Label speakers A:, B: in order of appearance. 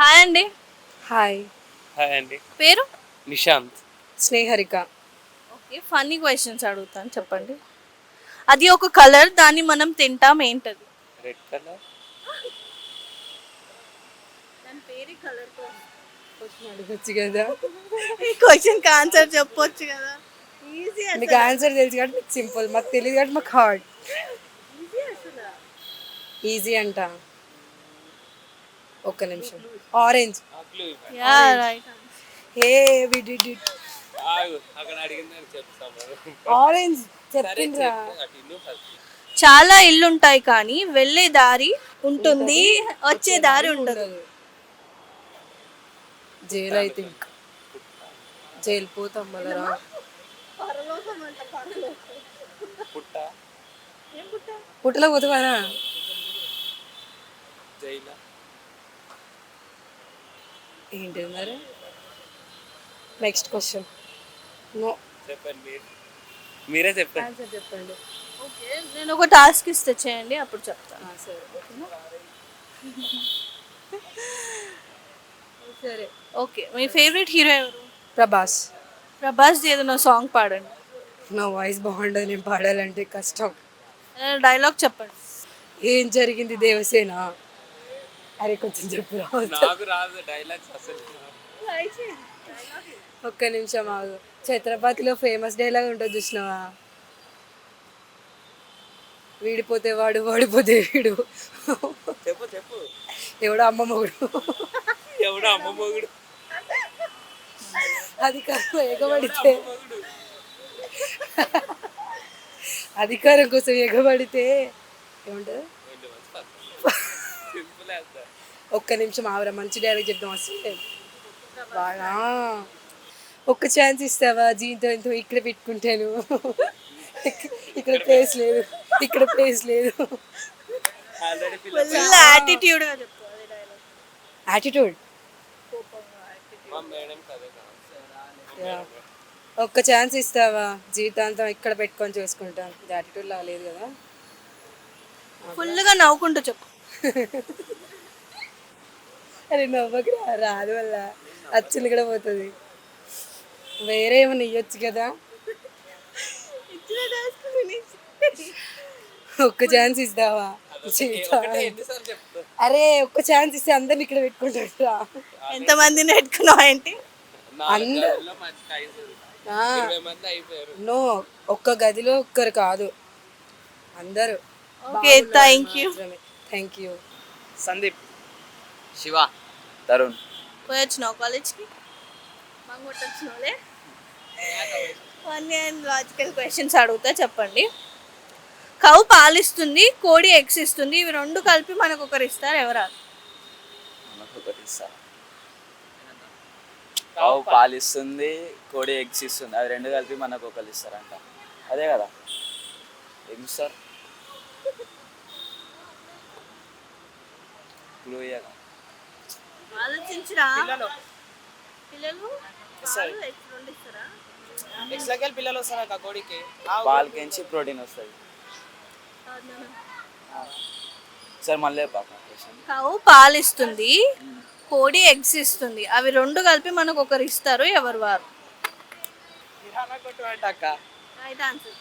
A: Hi అండి.
B: Hi.
C: Hi అండి.
A: పేరు?
C: Nishant.
B: Sneharika.
A: Okay. Funny questions అడుగుతాను చెప్పండి. అది ఒక కలర్, దాన్ని మనం తింటాం, ఏంటది?
C: Red colour.
A: దాని పేరే కలర్.
B: క్వశ్చన్ అడగచ్చు కదా.
A: ఈ క్వశ్చన్కి ఆన్సర్ చెప్పొచ్చు కదా. ఈజీ
B: మీకు ఆన్సర్ తెలుసు కాబట్టి మీకు సింపుల్, మాకు తెలియదు కాబట్టి మాకు హార్డ్.
A: ఈజీ అసలు.
B: ఈజీ అంట. ఒక్క నిమిషం. Orange.
A: Ya right.
B: Hey we did it.
C: అక్కడ అడిగిందని చెప్తాము.
B: ఆరెంజ్ చెప్పిండ్రా.
A: చాలా ఇల్లుంటాయి కానీ వెళ్ళే దారి ఉంటుంది, వచ్చే దారి ఉండదు.
B: జైలు అయితే ఇంకా జైలు పోతాం మళ్ళా.
C: పుట్ట.
B: పుట్టలో పోతావారా?
C: జైలా.
B: ఏంటి మరి? Next question. నో.
C: చెప్పండి మీరే చెప్పండి.
B: ఆన్సర్ చెప్పండి.
A: ఓకే, నేను ఒక టాస్క్ ఇస్తే చేయండి, అప్పుడు చెప్తాను.
B: సరే ఓకేనా. సరే
A: ఓకే, మీ ఫేవరెట్ హీరో ఎవరు?
B: ప్రభాస్.
A: ప్రభాస్ ఏదైనా సాంగ్ పాడండి.
B: నా వాయిస్ బాగుండదు, నేను పాడాలంటే కష్టం.
A: డైలాగ్ చెప్పండి.
B: ఏం జరిగింది దేవసేన? అరే కొంచెం చెప్పు.
C: నాకు రాదు డైలాగ్స్ అసలు.
B: ఒక్క నిమిషం ఆగు. ఛత్రపతిలో ఫేమస్ డైలాగ్ ఉంటుంది చూసినావా? వీడిపోతే వాడు, వాడిపోతే వీడు,
C: చెప్పు చెప్పు.
B: ఎవడో అమ్మ మొగుడు,
C: ఎవడో అమ్మ మొగుడు.
B: అధికారం ఎగబడితే, అధికారం కోసం ఎగబడితే ఏముంటుంది?
C: Simple answer.
B: ఒక్క నిమిషం ఆవరా, మంచి డైలాగ్ చెప్దాం. అసలు బాగా ఒక్క ఛాన్స్ ఇస్తావా? జీతో ఎంతో ఇక్కడ పెట్టుకుంటాను, ఇక్కడ ప్లేస్ లేదు, ఇక్కడ ప్లేస్ లేదు.
C: ఆల్రెడీ
A: ఫుల్ యాటిట్యూడ్ గా చెప్పు అదే డైలాగ్.
B: యాటిట్యూడ్.
C: మా మేడం కదే కదా.
B: ఒక్క ఛాన్స్ ఇస్తావా? జీవితాంతం ఇక్కడ పెట్టుకొని చూసుకుంటాను. యాటిట్యూడ్ లా లేదు కదా.
A: ఫుల్ గా నవ్వుకుంటూ చెప్పు.
B: అరే నవ్వకి రాదు వల్ల అచ్చులు కూడా పోతుంది. వేరే ఏమైనా ఇవ్వచ్చు కదా. ఒక్క ఛాన్స్ ఇస్తావా?
C: ఎన్నిసార్లు చెప్తా.
B: అరే ఒక్క ఛాన్స్ ఇస్తే అందరిని ఇక్కడ పెట్టుకుంటారా?
A: ఎంతమందిని పెట్టుకున్నావు ఏంటి?
C: గదిలో మంచి 20 మంది అయిపోయారు.
B: నో, ఒక్క గదిలో ఒక్కరు కాదు, అందరూ.
A: Okay, thank you.
B: Thank you.
C: Sandeep. Shiva. Tarun.
A: పోయి వచ్చినావు కాలేజ్కి? మంగొట్టు వచ్చినావులే. ఫన్నీ అండ్ లాజికల్ క్వశ్చన్స్ అడుగుతా, చెప్పండి. కౌ పాలిస్తుంది, కోడి ఎగ్స్ ఇస్తుంది, ఇవి రెండు కలిపి మనకు ఒకరు ఇస్తారు, ఎవరు?
D: ఆవు పాలిస్తుంది, కోడి ఎగ్స్ ఇస్తుంది, అవి రెండు కలిపి మనకు ఒకరు ఇస్తారంట. అదే కదా ఏం సార్?
A: ఆలోచించరా. పిల్లలు
C: పిల్లలు వస్తారా కోడికి?
D: పాలకించి ప్రోటీన్ వస్తుంది సార్. మళ్ళీ
A: కౌ పాలిస్తుంది, కోడి ఎగ్స్ ఇస్తుంది, అవి రెండు కలిపి మనకు ఒకరు ఇస్తారు, ఎవరు వారు? Right answer.